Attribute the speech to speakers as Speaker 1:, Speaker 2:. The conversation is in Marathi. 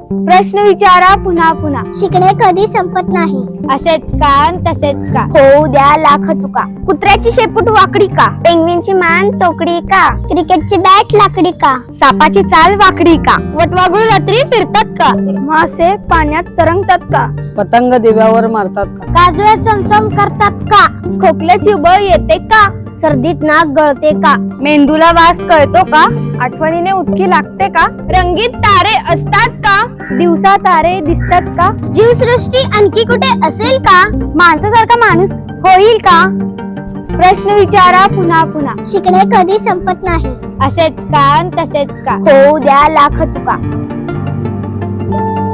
Speaker 1: प्रश्न विचारा पुन्हा पुन्हा.
Speaker 2: शिकणे कधी संपत नाही.
Speaker 1: असेच का अन तसेच का.
Speaker 2: होऊ द्या लाख चुका. कुत्र्याची शेपूट वाकडी का. पेंग्विनची मान तोकडी का. क्रिकेटची बॅट लाकडी का.
Speaker 1: सापाची चाल वाकडी का.
Speaker 2: वटवाघूळ रात्री फिरतात का.
Speaker 1: मासे पाण्यात तरंगतात का.
Speaker 3: पतंग दिव्यावर मारतात का.
Speaker 2: काजव्या चमचम करतात का.
Speaker 1: खोकल्याची बळ येते का.
Speaker 2: सर्दीत नाक गळते का.
Speaker 1: मेंदूला वास कळतो का. आठवणीने उचकी लागते का. रंगीत तारे असतात का. दिवसा तारे दिसतात का.
Speaker 2: जीवसृष्टी आणखी कुठे असेल का.
Speaker 1: माणसासारखा माणूस होईल का. प्रश्न विचारा पुन्हा पुन्हा.
Speaker 2: शिकणे कधी संपत नाही.
Speaker 1: असेच का अन तसेच का.
Speaker 2: होऊ द्या लाख चुका.